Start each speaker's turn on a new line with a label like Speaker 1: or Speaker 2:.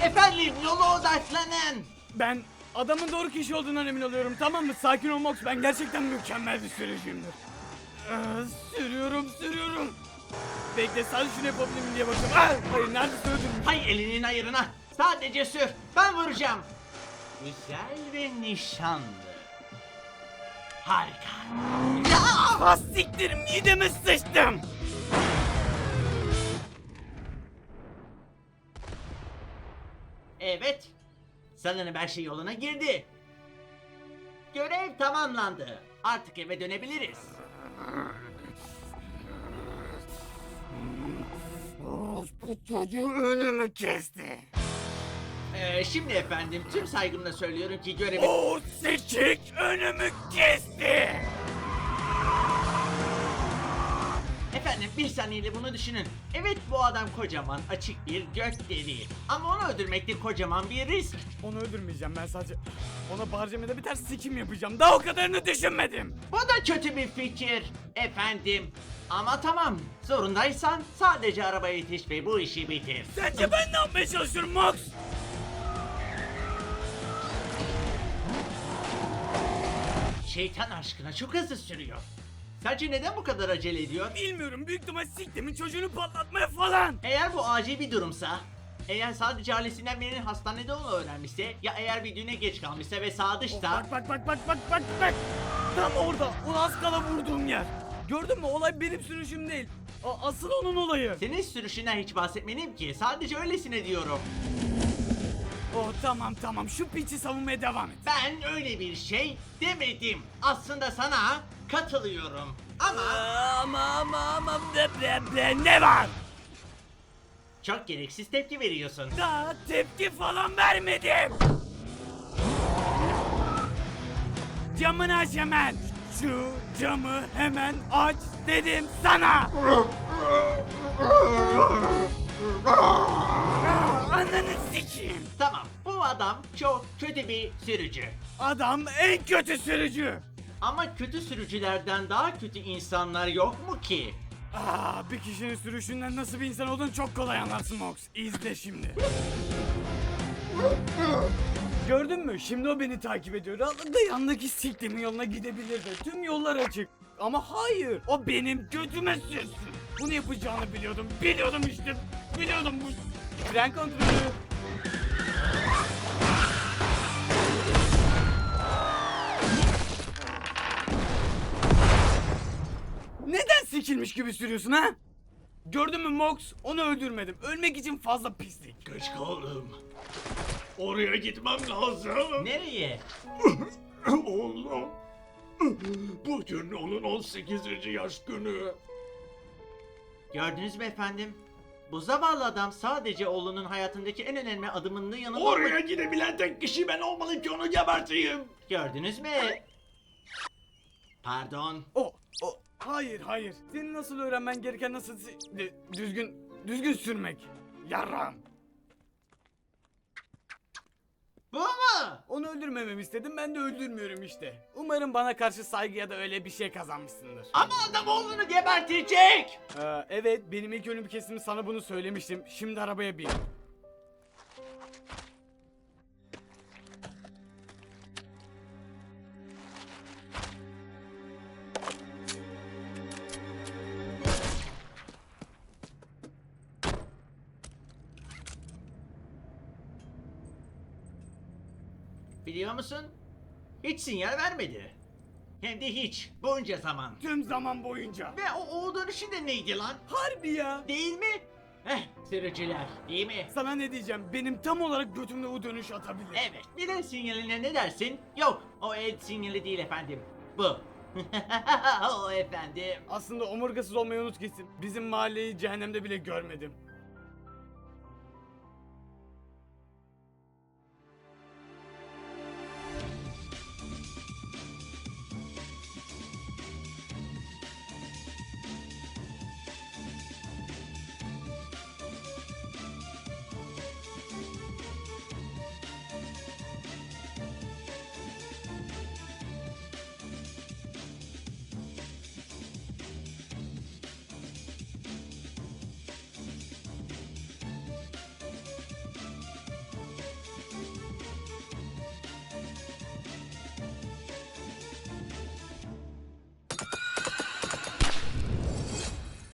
Speaker 1: Efendim, yola odaklanın.
Speaker 2: Ben adamın doğru kişi olduğundan emin oluyorum, tamam mı? Sakin ol Mox, ben gerçekten mükemmel bir sürücüyümdür. Sürüyorum. Bekle, sadece şunu yapabilirim diye bakıyorum. Hayır, neredeyse öldürmüş.
Speaker 1: Hay elinin ayırına. Sadece sür. Ben vuracağım. Güzel ve nişanlı. Harika. Ya!
Speaker 2: Siktir, mideme sıçtım.
Speaker 1: Evet. Sanırım her şey yoluna girdi. Görev tamamlandı. Artık eve dönebiliriz.
Speaker 2: Bu çocuğu önümü kesti.
Speaker 1: Şimdi efendim tüm saygımla söylüyorum ki görevi...
Speaker 2: O sikik önümü kesti.
Speaker 1: Efendim bir saniyede bunu düşünün. Evet, bu adam kocaman açık bir gök deliği. Ama onu öldürmek de kocaman bir risk.
Speaker 2: Onu öldürmeyeceğim, ben sadece ona barcamede bir ters sikim yapacağım. Daha o kadarını düşünmedim.
Speaker 1: Bu da kötü bir fikir efendim. Ama tamam, zorundaysan sadece arabaya yetiş ve bu işi bitir.
Speaker 2: Sence ben ne yapmaya çalışıyorum Max?
Speaker 1: Şeytan aşkına çok hızlı sürüyor. Sence neden bu kadar acele ediyor?
Speaker 2: Bilmiyorum, büyük ihtimal siktimin çocuğunu patlatmaya falan.
Speaker 1: Eğer bu acil bir durumsa, eğer sadece ailesinden birinin hastanede olduğunu öğrenmişse, ya eğer bir düğüne geç kalmışsa ve sağ dışta...
Speaker 2: Bak. Tam orada, o az kala vurduğum yer. Gördün mü, olay benim sürüşüm değil. Asıl onun olayı.
Speaker 1: Senin sürüşünden hiç bahsetmedim ki, sadece öylesine diyorum.
Speaker 2: Oh tamam, şu piçi savunmaya devam et.
Speaker 1: Ben öyle bir şey demedim. Aslında sana katılıyorum. Ama
Speaker 2: Ama ne var?
Speaker 1: çok gereksiz tepki veriyorsun.
Speaker 2: Daha tepki falan vermedim. Camını aç hemen. Şu camı hemen aç dedim sana. Ananı sikeyim.
Speaker 1: Tamam, bu adam çok kötü bir sürücü.
Speaker 2: Adam en kötü sürücü.
Speaker 1: Ama kötü sürücülerden daha kötü insanlar yok mu ki?
Speaker 2: Bir kişinin sürüşünden nasıl bir insan olduğunu çok kolay anlarsın Mox. İzle şimdi. Gördün mü? Şimdi o beni takip ediyor. Rahatlıkla yanındaki siktimin yoluna gidebilirdi. Tüm yollar açık. Ama hayır. O benim götüme sürsün. Bunu yapacağını biliyordum. Biliyordum bu. Fren kontrolü. Neden sikilmiş gibi sürüyorsun ha? Gördün mü Mox? Onu öldürmedim. Ölmek için fazla pislik.
Speaker 3: Geç kaldım. Oraya gitmem lazım.
Speaker 1: Nereye?
Speaker 3: Oğlum. Bugün onun 18. yaş günü.
Speaker 1: Gördünüz mü efendim? Bu zavallı adam sadece oğlunun hayatındaki en önemli adımının yanında...
Speaker 3: Oraya gidebilen tek kişi ben olmalıyım ki onu geberteyim.
Speaker 1: Gördünüz mü? Pardon.
Speaker 2: Hayır. Senin nasıl öğrenmen gereken nasıl düzgün sürmek. Yarram.
Speaker 1: Bu mu?
Speaker 2: Onu öldürmememi istedim, ben de öldürmüyorum işte. Umarım bana karşı saygı ya da öyle bir şey kazanmışsındır.
Speaker 1: Ama adam oğlunu gebertecek.
Speaker 2: Evet, benim ilk ölüm kesimi sana bunu söylemiştim. Şimdi arabaya bin.
Speaker 1: Biliyor musun? Hiç sinyal vermedi. Hem de hiç. Bunca zaman.
Speaker 2: Tüm zaman boyunca.
Speaker 1: Ve o dönüşü de neydi lan?
Speaker 2: Harbi ya.
Speaker 1: Değil mi? Sürücüler, değil mi?
Speaker 2: Sana ne diyeceğim? Benim tam olarak götümde o dönüş atabilir.
Speaker 1: Evet, bir el sinyaline ne dersin? Yok, o el sinyali değil efendim. Bu. O efendim.
Speaker 2: Aslında omurgasız olmayı unut gitsin. Bizim mahalleyi cehennemde bile görmedim.